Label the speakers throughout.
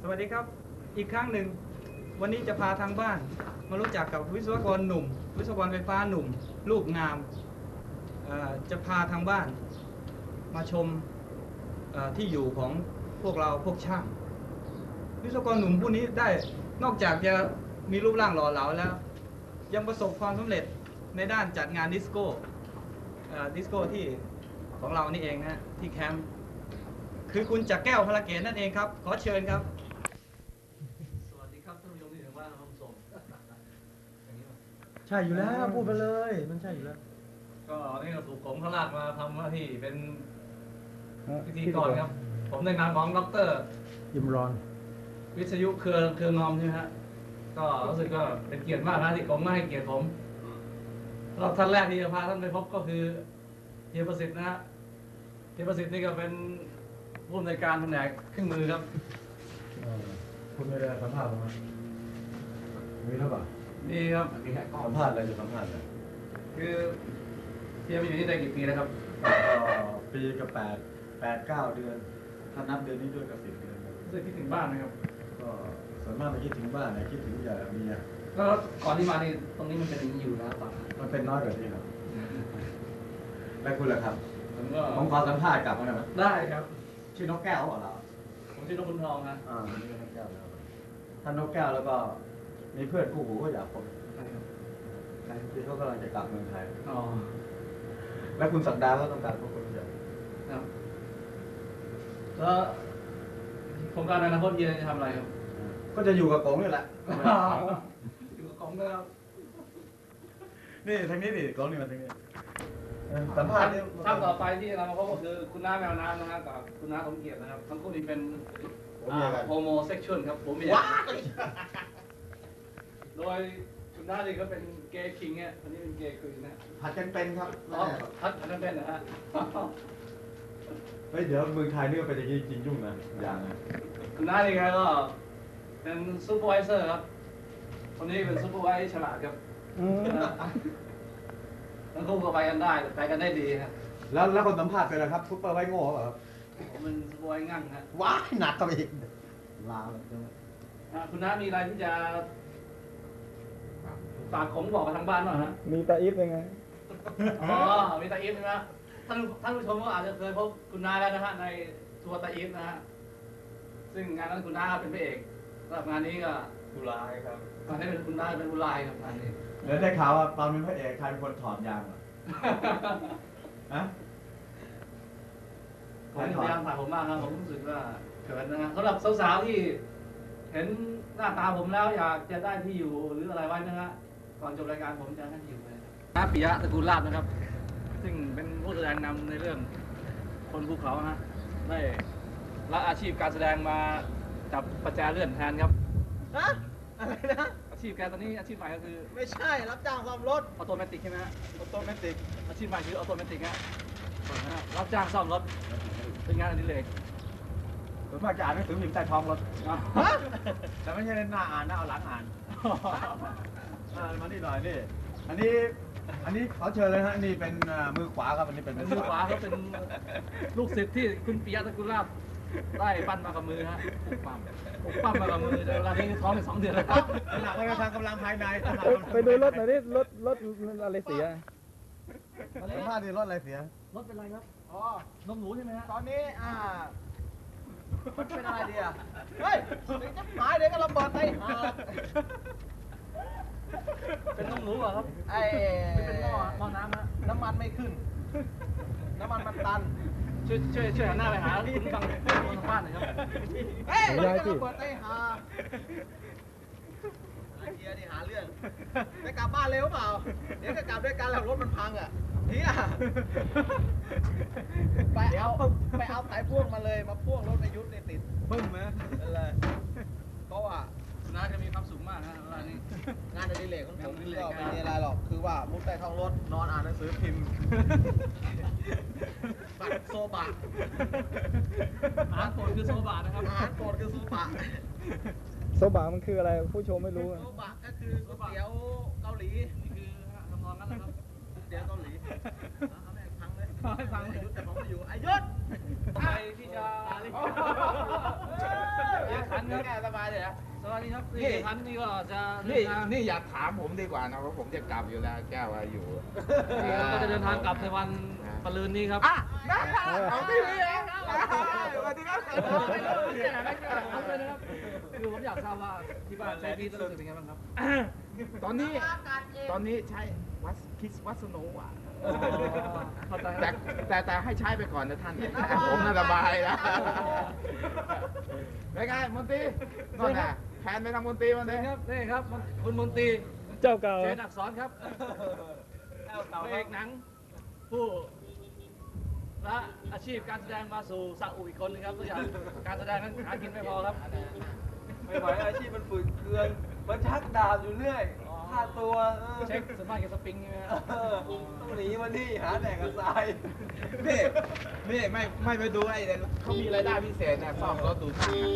Speaker 1: สวัสดีครับอีกครั้งหนึ่งวันนี้จะพาทางบ้านมารู้จักกับวิศวกรหนุ่มวิศวกรไฟฟ้าหนุ่มรูปงามจะพาทางบ้านมาชมที่อยู่ของพวกเราพวกช่างวิศวกรหนุ่มผู้นี้ได้นอกจากจะมีรูปร่างหล่อเหลาแล้วยังประสบความสำเร็จในด้านจัดงานดิสโก้ที่ของเรานี่เองนะที่แคมป์คือคุณจักรแก้วพลเกตนั่นเองครับขอเชิญครับ
Speaker 2: สวัสดีครับท่านผู้ชมที่ถึงบ้านครับผม
Speaker 3: ใช่อยู่แล้วพูดไปเลยมันใช่อยู่แล้ว
Speaker 2: ก็นี่เราถูกผมเขาลากมาทำหน้าที่เป็นพิธีกรครับผมในนามของดร.
Speaker 3: ยิมรอน
Speaker 2: วิทยุเครืองอมใช่ไหมฮะก็รู้สึกก็เป็นเกียรติมากนะที่ผมมาให้เกียรติผมแล้วท่านแรกที่จะพาท่านไปพบก็คือเฮียประสิทธิ์นะฮะเฮียประสิทธิ์นี่ก็เป็นผู้อำนวยการแผนกเครื่องมือครับ
Speaker 3: คุณไม่ได้สัมภาษณ์ผมมีหรือเปล่า
Speaker 2: นี่ครับ
Speaker 3: สัมภาษณ์อะไรจะสัมภาษณ์อะไร
Speaker 2: คือเฮียมาอยู่นี่ได้กี่ปีแล้วครับ
Speaker 3: ปีกับ8-9 เดือนถ้านับเดือนนี้ด้วยกับ10 เดือน
Speaker 2: รู้สึกคิดถึงบ้านไหมครับ
Speaker 3: ก็ส่วนมากไม่คิดถึงบ้านนะคิดถึงเมีย
Speaker 2: แล้วก่อนที่มานี่ตรงนี้มันเป็นอย่างนี้อยู่แล้วป่ะ
Speaker 3: มันเป็นน้อยกว่านี้ครับแล้วคุณล่ะครับผมขอสัมภาษณ์กลับมาหน่อย
Speaker 2: ได้ครับ
Speaker 3: ชื่อนกแก้วเหรอเรา
Speaker 2: ผมชื่อนกบุญทองนะ
Speaker 3: นี่นกแก้วแล้วท่านนกแก้วแล้วก็มีเพื่อนคู่หูก็อยากพบที่เขากำลังจะกลับเมืองไทยแล้วคุณสัปดาห์ก็ต้องการพบคนเดียว
Speaker 2: ครับแล้วโครงการอนาคตเย็นจะทำอะไรครับ
Speaker 3: ก็จะอยู่กับกงนี่แหละ
Speaker 2: อยู่กับกงแล้ว
Speaker 3: นี่ทางนี้ดิกงนี่มาทางนี้สัมภาษณ์
Speaker 2: ท่านต่อไปที่เรามาพบก็คือคุณน้าแมวน้ำนะครับกับคุณน้าสมเกียรตินะครับทั้งคู่นี้เป็นโฮโมเซ็กชวลครับผมว้าโดยคุณน้านี่ก็เป็นเกย์คิงเนี่ยอันนี้เป็นเกย์ควีนนะ
Speaker 3: ผัดกันเป็นครับ
Speaker 2: ผัดกันเป็นนะฮะ
Speaker 3: เฮ้ยเดี๋ยวเมืองไทยนี่ก็เป็นอย่างนี้จริงยุ่งนะอย่างนะ
Speaker 2: คุณน้านี่ก็เป็นซูเปอร์วิเซอร์ครับคนนี้เป็นซูเปอร์วิเซอร์ฉลาดครับทั้งคู่ก็ไปกันได้ดีครับ
Speaker 3: แล้วคนสัมภาษณ์เป็นอะไรครับซุปเปอร์ไวโง่เหรอครับ
Speaker 2: ผมเป็นซูเปอร์ไวงั่งครับ
Speaker 3: ว้ายหนักกับอีกลาเลย
Speaker 2: คุณน้ามีอะไรที่จะฝากผมบอกกับทางบ้านหน่อยฮะ
Speaker 3: มีตาอีฟยังไง
Speaker 2: มีตาอีฟใช่ไหมท่านผู้ชมก็อาจจะเคยพบคุณน้าแล้วนะฮะในทัวร์ตาอีฟนะฮะซึ่งงานนั้นคุณน้าเป็นพระเอกสำหรับงานนี้ก็
Speaker 3: กุลายครับ
Speaker 2: งานนี้เป็นคุณน้าเป็นกุลายครับงานนี้
Speaker 3: เดี๋ยวได้ข่าวว่าตอนเป็นพระเอกใครเป็นคนถอดยางเหรอฮะ
Speaker 2: ผมพยายามถ่ายผมมากครับผมรู้สึกว่าเขินนะฮะสำหรับสาวๆที่เห็นหน้าตาผมแล้วอยากจะได้ที่อยู่หรืออะไรไว้นะฮะก่อนจบรายการผมจะให้ที่อยู่เลยน้าปิยะตระกูลลาภนะครับซึ่งเป็นผู้แสดงนำในเรื่องคนภูเขาฮะได้ละอาชีพการแสดงมาจับประแจเลื่อนแทนครับ
Speaker 4: อะไรนะ
Speaker 2: อาชีพแกตอนนี้อาชีพใหม่ก็คือ
Speaker 4: ไม่ใช่รับจ้างซ่อมรถ
Speaker 2: ออโตเมติกใช่ไหมฮะ
Speaker 4: ออโตเมติก
Speaker 2: อาชีพใหม่คือออโตเมติกฮะรับจ้างซ่อมรถเป็นงานอดิเรก
Speaker 3: ผมมาจะอ่านหนังสือพิมพ์ใต้ท้องรถแต่ไม่ใช่หน้าอ่านนะเอาหลังอ่านมานี่หน่อยนี่อันนี้เขาเชิญเลยฮะนี่เป็นมือขวาครับอันนี้เป็น
Speaker 2: มือขวาเขาเป็นลูกศิษย์ที่คุณปิยะตระกูลลาภได้ปั้นมากับมือฮะปั้นมากับมือแต่เวลานี้ท้องเป็น2 เดือนแล้วครับ
Speaker 3: หนักไปทางกำลังภายใน
Speaker 4: ไปดูรถหน่อยนี่รถอะไรเสีย
Speaker 3: สัมภาษณ์ดิรถอะไรเสีย
Speaker 2: รถเป็นไรครับนมหนูใช่ไหมฮะ
Speaker 4: ตอนนี้มันเป็นอะไรดีอ่ะเฮ้ยจะหายเดี๋ยวก็ระเบิดไป
Speaker 2: เป็นนมหนูเหรอครับเป็นหม้อน้ำฮะ
Speaker 4: น้ำมันไม่ขึ้นน้ำมันมันตัน
Speaker 2: ช่วยหันหน้าไปหาคุณฟังคนบ้านหน่อยครับ
Speaker 4: เฮ้ยเดี๋ยวก็ระเบิดไปหาเฮียนี่หาเรื่องจะกลับบ้านเร็วเปล่าเดี๋ยวก็กลับด้วยกันแล้วรถมันพังอ่ะเฮียไปเอาสายพ่วงมาเลยมาพ่วงรถในยุทธในติด
Speaker 3: ปึ้งไหม
Speaker 4: อะไรเพราะว่า
Speaker 2: คุณน้าจะมีความสุขมากนะเวลานี้
Speaker 4: งานอดิเรกของผมก็ไม่มีอะไรหรอกคือว่ามุดใต้ท้องรถนอนอ่านหนังสือพิมพ์บัตรโซบะ
Speaker 2: อาหารโปรดคือโซบะนะครับ
Speaker 4: อาหารโปรดคือโซบะ
Speaker 3: โซบะมันคืออะไรผู้ชมไม่รู้
Speaker 4: โซบะก็คือก๋วยเตี๋ยวเกาหลี
Speaker 2: นี่คือทำนองนั้นนะครับ
Speaker 4: ก๋วยเตี๋ยวเกาหลีเอาแม่พังเลย
Speaker 2: ให้ฟังเลย
Speaker 4: แต่ผมไม่อยู่อายุทธ
Speaker 2: ไปที่จะเรียกขันครับ
Speaker 4: แก้สบายเลยนะ
Speaker 2: สวัสดีครับ
Speaker 5: นี่
Speaker 2: พันธุ์นี่ก็จะ
Speaker 5: นี่นี่อยากถามผมดีกว่านะเพราะผมจะกลับอยู่แล้วแก้วอยู่
Speaker 2: นี่เราก็จะเดินทางกลับในวันปะรืนนี้ครับ
Speaker 5: อ่ะนะเอาที่นี่เองสวัสดีครับ
Speaker 2: คือผมอยากทราบว่าที่บ้านใช้พี่รู้สึกเป็นไงบ้างครับ
Speaker 5: ตอนนี้ใช้วัสโนอ่ะ
Speaker 2: เข้าใจ
Speaker 5: แต่ให้ใช้ไปก่อนนะท่านผมน่าสบายแล้วเป็นไงมนตรีนั่นน่ะแทนไปทางมนตรีมันเลย
Speaker 2: ครับนี่ครับคุณมนตรี
Speaker 1: เจ้าเก่า
Speaker 2: เชนอักษรครับพระเอกหนังผู้ละอาชีพการแสดงมาสู่ซาอุอีกคนนึงครับตัวอย่างการแสดงนั้นหากินไม่พอครับ
Speaker 4: ไม่ไหวอาชีพมันฝืดเคืองมันชักดาบอยู่เรื่อยฆ่าตัว
Speaker 2: เช็คส่วนมากจะสปริงใช่ไหมครับ
Speaker 4: ต้องหนีมานี่หาแดกกระทราย
Speaker 5: นี่ไม่ไปดูไอ้เนี่ยเขามีรายได้พิเศษนะซ่อมรถดูช่างนะ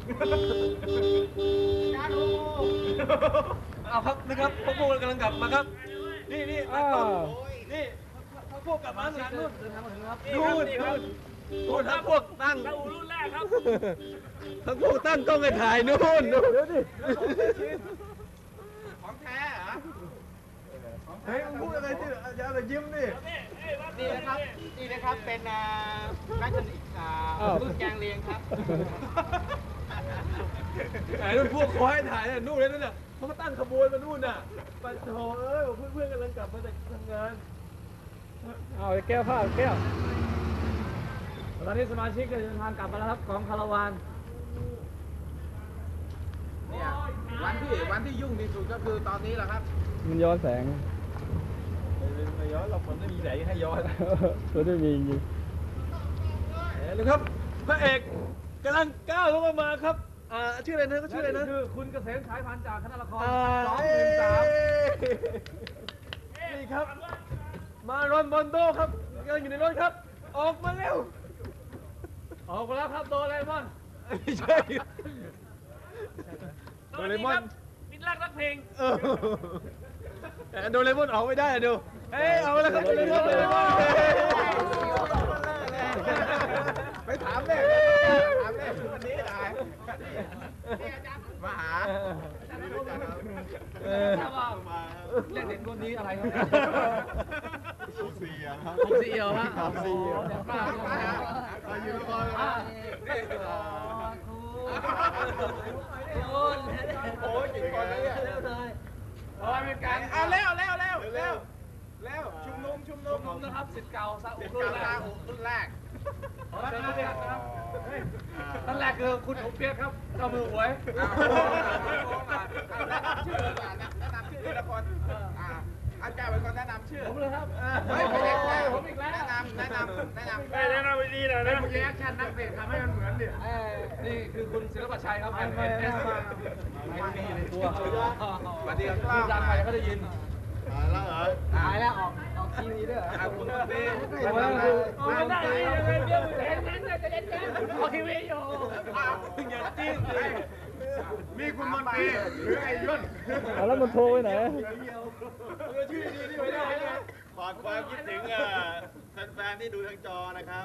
Speaker 4: เอาครับนะครับพวกพวกกำลังกลับมาครับ นี่นี่นี่พวกกลับมาหลังนู่น
Speaker 2: เดินทางมาถึงครับ
Speaker 4: นู่นนู่นทั้งพวกตั้งรุ่นแรกครับทั้งพวกตั้งกล้องไปถ่ายนู่นดูดิ
Speaker 5: ของแท้เหรอ
Speaker 3: เฮ้ยมึงพูดอะไรที่อย่ายิ้มดิ
Speaker 4: นี่นะครับเป็นแมคคานิกรุ่นแกงเลียงครับไอ้รุ่นพวกคอยถ่ายเนี่ยนู่นเลยนั่นน่ะเขาก็ตั้งขบวนมานู่นน่ะไปโถเอ้ยเพื่อนๆกำลังกลับมาจากทำงาน
Speaker 1: เอาแก้วผ้าแก้ว
Speaker 2: ตอนนี้สมาชิกก็เดินทางกลับมาแล้วครับของคาราวาน
Speaker 5: เนี่ยวันที่ยุ่งที่สุดก็คือตอนนี้แหละครับ
Speaker 1: มันย้อนแสง
Speaker 3: ไม่ย้อนเราคนไม่มีไหนให้ย้อน
Speaker 1: ตัวไม่มีจริง
Speaker 4: นะครับพระเอกกำลังก้าวลงมาครับชื่ออะไรนะก็ชื่ออะไรนะ
Speaker 2: คือคุณเกษมฉายพันธุ์จากคณะละคร
Speaker 4: นี่ครับ มารอนบอนโดครับกำลังอยู่ในรถครับ ออกมาเร็ว
Speaker 2: ออกมาแล้วครับโดเรมอน
Speaker 4: ไม่ใช่โดเรมอน
Speaker 2: มิตรรักรักเพลง
Speaker 4: โดเรมอนออกไม่ได้อะดูเอ้ยเอาแล้วครับโดเรมอน
Speaker 5: ไปถามเลยวันนี้ได้มาหา
Speaker 2: ทราบว่าเรียกเด็กรุ่นนี้อะไรครับ
Speaker 3: ผมเสียครับ
Speaker 2: ผมซีเอียวฮะ
Speaker 3: ผมซีเอียว
Speaker 2: เด็กมากเลยนะ
Speaker 3: อยู่ละคร
Speaker 5: โอ้ยกี่คนแล้วเนี่ย
Speaker 2: เป็นการ
Speaker 5: เร็วชุมนุม
Speaker 2: ผมนะครับสิทธิ์เก่าซาอุ
Speaker 5: สิบ
Speaker 2: รุ่นแร
Speaker 5: เก้าก รุ่นแรก
Speaker 2: เชิญครับท่านแรกคือคุณผมเปียกครับเจ้ามือหวย
Speaker 5: แนะนำชื่อทีละคนอาจารย์เป็นคนแนะนำชื่อ
Speaker 2: ผมเลยครับ
Speaker 5: ผมอีกแล้วแนะนำ
Speaker 2: แนะนำไปดีนะนะคุณแอคชั่นนักเตะทำให้มันเหมือนดินี่คือคุณศิลปชัยครับไม่มีในตัว
Speaker 5: สวัสดีครับ
Speaker 2: พูดดังไปเขาได้ยิน
Speaker 3: แล้วเหรอ
Speaker 4: ตายแล้วออกทีวีด้วย
Speaker 5: คุณตี
Speaker 2: ไม่ได้เลยเดี๋ยวเห็นจะเล่นออกทีวีอยู่
Speaker 5: อย่าจิ้ม
Speaker 3: มีคุณมนตรีหรือไอ้ยุ่น
Speaker 1: แล้วมันโทรไปไหน
Speaker 3: ชื่อดีที่ไม่ได้นะขอความคิดถึงแฟนๆที่ดูทางจอนะครับ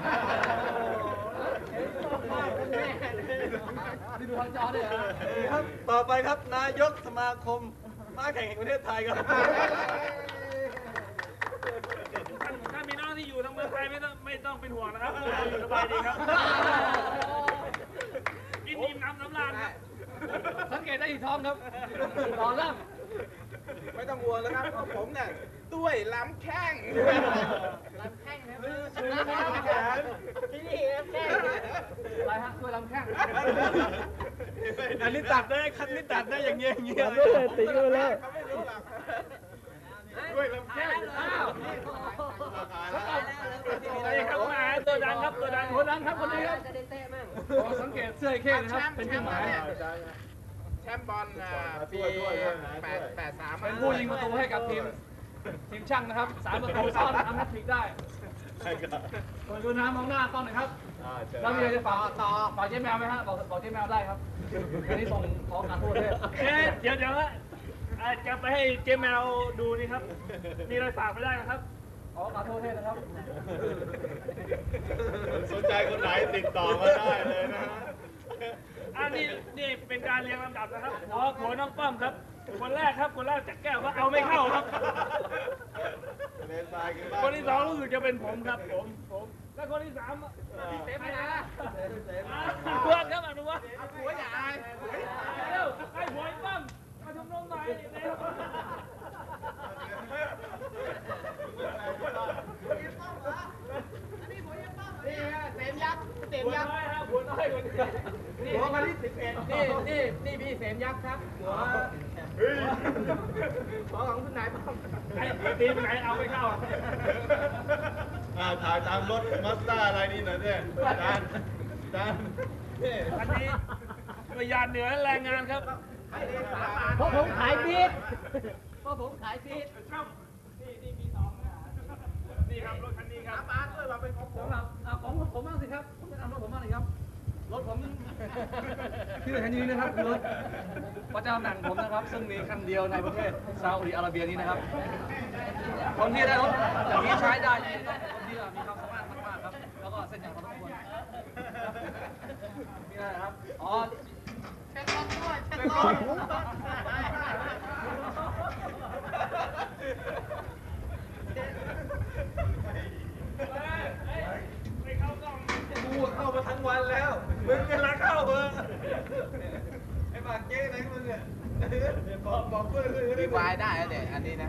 Speaker 2: ที่ดูทางจอเนี่ย
Speaker 4: ครับต่อไปครับนายกสมาคมม้าแข่งแห่งประเทศไทยครับ
Speaker 6: ถ้ามีน้องที่อยู่ทางเมืองไทยไม่ต้องเป็นห่วงนะครับอยู่สบายดีครับกินอิ่มน้ำสำราญครับ
Speaker 2: สังเกตได้ที่ท้องครับต่อล่าง
Speaker 5: ไม่ต้องห่วงแล้วครับเพราะผมเนี่ยด้วยลำแข้ง
Speaker 4: ที่นี่ครับแค่
Speaker 2: อะไรฮะช่วยลำแข้ง
Speaker 4: อันนี้ตัดได้คันนี้ตัดได้อย่างเงี้ย
Speaker 1: ไม่เลยติดกันไปแล้ว
Speaker 5: เขาไม่รู้หรอก
Speaker 3: ด้วยลำแข้ง
Speaker 2: อ้าว
Speaker 6: นี่ครับมาตัวดังครับตัวดัง
Speaker 2: คนนั้นครับคนนี้ครับสังเกตเสื้อไอ้เข้นะครับเป็นเครื่องหมาย
Speaker 5: แชมป์บอลปี83
Speaker 2: เป็นผู้ยิงประตูให้กับทีมช่างนะครับ3 ประตูซ้อนทำแฮตทริกได้คนดูน้ำมองหน้ากล้องหน่อยครับแล้วมีอะไรจะฝากเจ๊แมวไหมฮะบอกเจ๊แมวได้ครับอันนี้ส่งขอการโทษด้วย
Speaker 6: เดี๋ยวจะไปให้เจมแมวดูนี่ครับ มีอะไรฝากไม่ได้นะครับ
Speaker 2: ขอการโทษด้วยนะครับ
Speaker 3: สนใจคนไหนติดต่อมาได้เลยนะ
Speaker 6: อันนี้นี่เป็นการเรียงลำดับนะครับหัวน้องป้อมครับ คนแรกครับคนแรกจากแก้วว่าเอาไม่เข้าครับ คนที่สองรู้สึกจะเป็นผมครับผมแล้วคนที่สามพี่เสมาอนุวัฒน์ครับอนุวัฒน์หัวใหญ่เร็วให้หัวไอ้ป้อมมาชุมนุมหน่อยเร็ว
Speaker 5: เต็มยักษ์เต็มยักษ์
Speaker 6: หัวน้อยคนนี้
Speaker 5: หัวคนที่11นี่พี่เสมยักษ์ครับหัวของคุณนายป้อม
Speaker 6: ไอ้ทีมไหนเอาไม่เข้า
Speaker 3: ถ่ายตามรถมัสด้าอะไรนี่หน่อยเนี่ยจานนี่
Speaker 6: อันนี้ประหยัดเหนือแรงงานครับ
Speaker 5: เพราะผมขายฟีดเพราะผมขายฟีด
Speaker 6: นี่มีสองนี่ครับรถคันนี้ครับ
Speaker 2: สำหรับของผมบ้างสิครับผมจะทำรถผมบ้างเลยครับรถผม
Speaker 1: ชื่อแทนนี้นะครับรถ
Speaker 2: พระเจ้าหนังผมนะครับ ซึ่งมีคันเดียวในประเทศซาอุดิอาระเบียนี้นะครับ คนที่ได้รถอย่างนี้ใช้ได้นี่ต้องคนที่มีความสามารถมากๆครับ แล้วก็เส้นอย่างพอสมควรนี่นะครับอ๋อ
Speaker 6: ไม่เข้ากล้อง
Speaker 1: กูเข้ามาทั้งวันแล้ว มึงกำลังเข้าเบอร์ไอ้ปากเจ๊ไหนมึงเนี่ยบอกเพื่อนเลย
Speaker 5: มีวายได้แล้วเนี่ยอันนี้นะ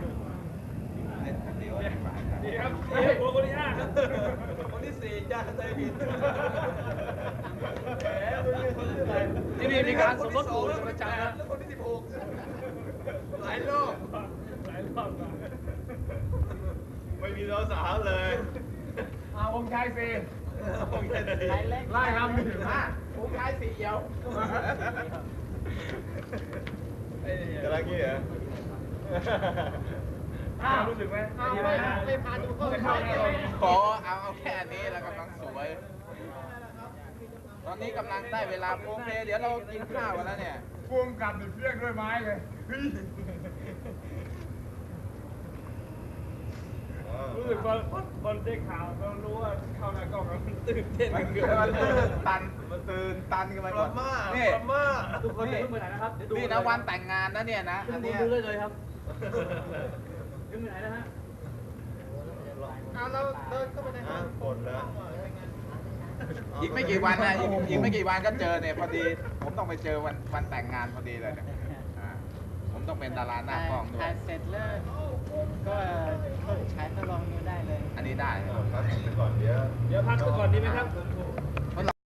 Speaker 6: นี่ครับนี่หัวคนที่ห้าครับ
Speaker 1: คนที่สี่จ้าใจผิดแหมมึงเป็นคนที่อะไร
Speaker 2: ที่นี่มีการสมรสหมู่เป็นประจำนะ
Speaker 1: แล้วคนที่16หลายโลก
Speaker 6: หลายรอบมา
Speaker 3: ไม่มีสาวๆเลย
Speaker 2: ผมชายสี่
Speaker 1: ผมแค่นี้
Speaker 2: ไล่ครับ
Speaker 5: ผมขายสีเดียว
Speaker 3: กำลังงี้เหรอ
Speaker 6: รู้สึกไหม
Speaker 5: ไม่พาดูเข้าขอเอาแค่นี้แล้วกำลังสวย ตอนนี้กำลังได้เวลาโอเคเดี๋ยวเรากินข้าวกันแล้วเนี่ย
Speaker 3: พ่วงกับเพี้ยงด้วยไม้เลย
Speaker 6: รู้สึกว่าบอลได้ข่าวเรารู้ว่าเข้าหน้ากล้องแล้วมันตื่นเต้น
Speaker 3: มันตื่นตันกันไปหมดนี่
Speaker 2: ทุกคนอย่าเพิ่งไปไหนนะครับเดี๋ยวดู
Speaker 5: นี่นะวันแต่งงานนะเนี่ยนะ อันเนี้ย
Speaker 2: ดูได้เลยครับยังไปไหนนะฮะ
Speaker 5: เอาเราเดินเข้าไปในห้อง
Speaker 3: หมดแล้ว
Speaker 5: อีกไม่กี่วันนะอีกไม่กี่วันก็เจอเนี่ยพอดี ผมต้องไปเจอวันแต่งงานพอดีเลยเนี่ยผมต้องเป็นดาราหน้ากล้องด้วย
Speaker 7: ถ่ายเสร็จแล้วก็ฉายทดลองดูได้เลย
Speaker 5: อันนี้ได้
Speaker 3: พักก่อนเดี๋ยว
Speaker 6: เดี๋ยวพักก่อนดีไหมครับ